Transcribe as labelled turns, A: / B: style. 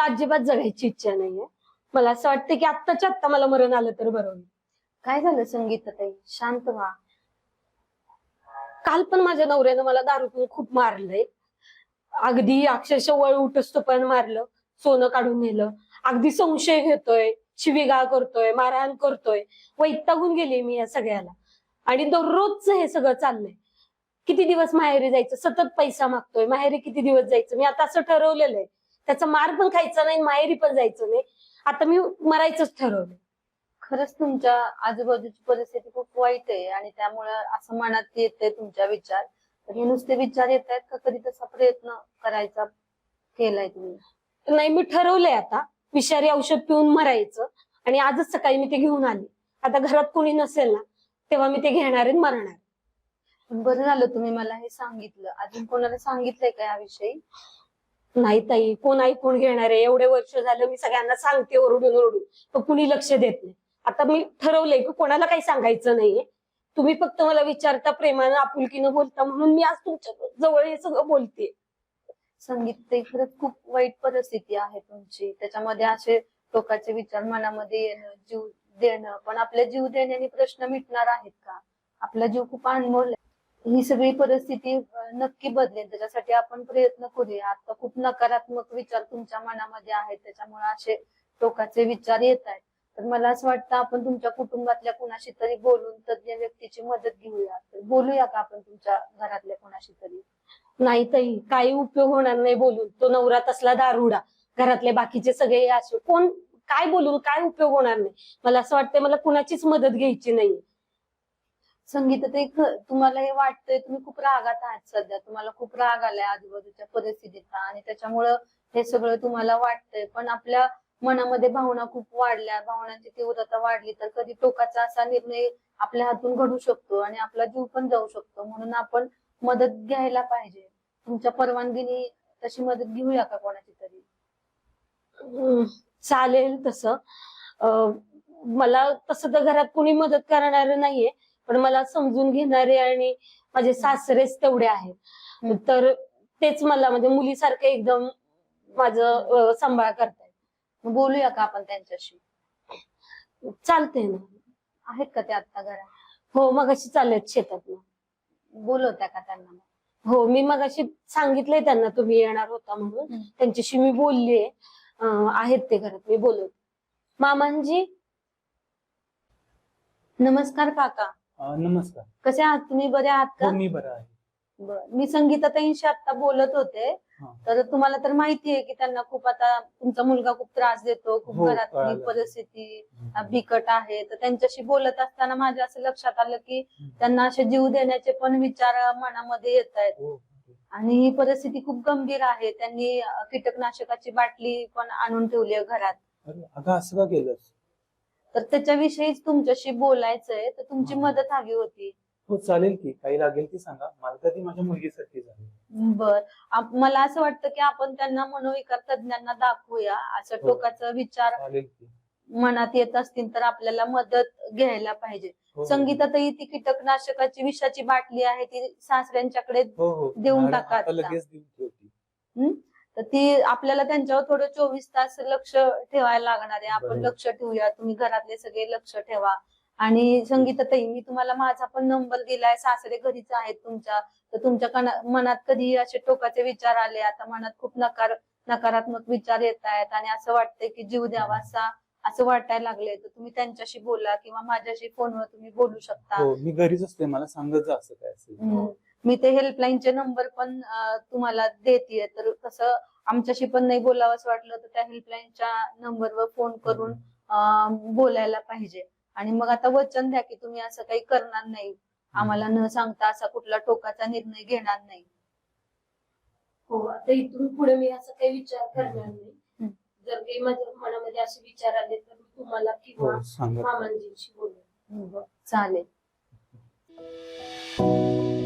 A: अजिबात जगायची इच्छा नाहीये. मला असं वाटतं की आत्ताच्या आत्ता मला मरण आलं तर बरं होईल.
B: काय झालं संगीताताई? शांत व्हा.
A: काल पण माझ्या नवऱ्यानं मला दारू पिऊन खूप मारलंय. अगदी अक्षरशः वळ उठसतो पण मारलं, सोनं काढून नेलं, अगदी संशय घेतोय, शिवीगाळ करतोय, मारहाण करतोय. वैतागून गेले मी या सगळ्याला. आणि दररोजच हे सगळं चाललंय. किती दिवस माहेरी जायचं, सतत पैसा मागतोय, माहेरी किती दिवस जायचं. मी आता असं ठरवलेलं आहे, त्याचा मार पण खायचा नाही, माहेरी पण जायचं नाही. आता मी मरायचंच ठरवलंय.
B: खरंच तुमच्या आजूबाजूची परिस्थिती खूप वाईट आहे आणि त्यामुळे असं मनात येतंय तुमच्या विचार. तर हे नुसते विचार येत आहेत का कधी तसा प्रयत्न करायचा केलाय तुम्ही?
A: नाही, मी ठरवलंय आता विषारी औषध पिऊन मरायचं. आणि आजच सकाळी मी ते घेऊन आले. आता घरात कोणी नसेल ना, तेव्हा मी ते घेणार आणि मरणार.
B: पण बरं झालं तुम्ही मला हे सांगितलं. अजून कोणाला सांगितलंय का याविषयी?
A: नाही ताई, कोण ऐकून घेणार आहे? एवढे वर्ष झालं मी सगळ्यांना सांगते ओरडून ओरडून, पण कुणी लक्ष देत नाही. आता मी ठरवलंय की कोणाला काही सांगायचं नाहीये. तुम्ही फक्त मला विचारता, प्रेमानं आपुलकीनं बोलता, म्हणून मी आज तुमच्या जवळ हे सगळं बोलते.
B: संगीताताई खरंच खूप वाईट परिस्थिती आहे तुमची. त्याच्यामध्ये असे टोकाचे विचार मनामध्ये येणं, जीव देणं, पण आपल्या जीव देण्याने प्रश्न मिटणार आहेत का? आपला जीव खूप अनमोल आहे. ही सगळी परिस्थिती नक्की बदलेल, त्याच्यासाठी आपण प्रयत्न करूया. आता खूप नकारात्मक विचार तुमच्या मनामध्ये आहेत, त्याच्यामुळे असे टोकाचे विचार येत आहेत. तर मला असं वाटतं आपण तुमच्या कुटुंबातल्या कुणाशी तरी बोलून तज्ञ व्यक्तीची मदत घेऊया. तर बोलूया का आपण तुमच्या घरातल्या कुणाशी तरी?
A: नाही ताई, काही उपयोग होणार नाही बोलून. तो नवरा तसला दारुडा, घरातले बाकीचे सगळे असे, कोण काय बोलून काय उपयोग होणार नाही. मला असं वाटतंय मला कुणाचीच मदत घ्यायची नाही.
B: संगीताताई तुम्हाला हे वाटतंय, तुम्ही खूप रागात आहात सध्या, तुम्हाला खूप राग आलाय आजूबाजूच्या परिस्थितीचा आणि त्याच्यामुळं हे सगळं तुम्हाला वाटतंय. पण आपल्या मनामध्ये भावना खूप वाढल्या, भावनांची तीव्रता वाढली तर कधी टोकाचा असा निर्णय आपल्या हातून घडू शकतो आणि आपला जीव पण जाऊ शकतो. म्हणून आपण मदत घ्यायला पाहिजे. तुमच्या परवानगीने तशी मदत घेऊया का कोणाची तरी?
A: चालेल तसं. मला तसं तर घरात कोणी मदत करणार नाहीये, पण मला समजून घेणारे आणि माझे सासरेच तेवढे आहेत. तर तेच मला म्हणजे मुलीसारखं एकदम माझं सांभाळ करतायत.
B: मग बोलूया का आपण त्यांच्याशी?
A: चालतंय ना.
B: आहेत का ते आता घरात?
A: हो, मगाशी चाललेत शेतात.
B: बोलवत्या का त्यांना मग?
A: हो, मी मगाशी सांगितलंय त्यांना तुम्ही येणार होता म्हणून. त्यांच्याशी मी बोललीये. आहेत ते घरात, मी बोलवते. मामांजी,
B: नमस्कार काका.
C: नमस्कार.
B: कसे आहात तुम्ही? बरे आहात का?
C: हो, मी बरा आहे.
B: मी संगीताताईंशी आता बोलत होते. तर तुम्हाला तर माहिती आहे की त्यांना खूप आता तुमचा मुलगा खूप त्रास देतो, खूप
C: हो,
B: घरातली
C: कळालं.
B: परिस्थिती बिकट आहे. तर त्यांच्याशी बोलत असताना माझ्या असं लक्षात आलं की त्यांना असे जीव देण्याचे पण विचार मनामध्ये येत आहेत.
C: हो.
B: आणि ही परिस्थिती खूप गंभीर आहे. त्यांनी कीटकनाशकाची बाटली पण आणून ठेवली आहे घरात.
C: अरे अगं, असं का केलंस?
B: तर त्याच्याविषयीच तुमच्याशी बोलायचंय. तर तुमची मदत हवी होती.
C: हो, चालेल की. काही लागेल ती सांगा. मला तर ती माझ्या मुलगीसाठी झाली.
B: बर, मला असं वाटतं की आपण त्यांना मनोविकार तज्ञांना दाखवूया. असं
C: हो.
B: टोकाचा विचार
C: चालेल की.
B: मनात येत असतील तर आपल्याला मदत घ्यायला पाहिजे.
C: हो.
B: संगीताताई, ती कीटकनाशकाची विषाची बाटली आहे ती सासऱ्यांच्याकडे
C: हो हो,
B: देऊन
C: मॅडम,
B: टाका
C: आता
B: आता.
C: लगेच देऊन ठेवती.
B: तर ती आपल्याला त्यांच्यावर थोडं 24 तास लक्ष ठेवायला लागणार आहे. आपण
C: बरोबर.
B: लक्ष ठेवूया, तुम्ही घरातले सगळे लक्ष ठेवा. आणि संगीताताई, मी तुम्हाला माझा पण नंबर दिलाय. सासरे घरीच आहेत तुमच्या. तर तुमच्या मनात कधी असे टोकाचे विचार आले, आता मनात खूप नकारात्मक विचार येत आहेत आणि असं वाटतंय की जीव द्यावा असं वाटायला लागले, तर तुम्ही त्यांच्याशी बोला किंवा माझ्याशी फोनवर तुम्ही बोलू शकता.
C: हो, मी घरीच असते. मला सांगत जा असं काय असेल.
B: मी ते हेल्पलाईनचे नंबर पण तुम्हाला देतेय. तर तसं आमच्याशी पण नाही बोलावं असं वाटलं तर त्या हेल्पलाईनच्या नंबरवर फोन करून बोलायला पाहिजे. आणि मग आता वचन द्या की तुम्ही असं काही करणार नाही, आम्हाला न सांगता असा कुठला टोकाचा निर्णय घेणार नाही.
A: हो, आता इथून पुढे मी असं काही विचार करणार नाही. जर काही माझ्या मनामध्ये असे विचार आले तर मी तुम्हाला किंवा
C: हो, सांगा.
A: मामांजींशी बोलेन.
B: चालेल.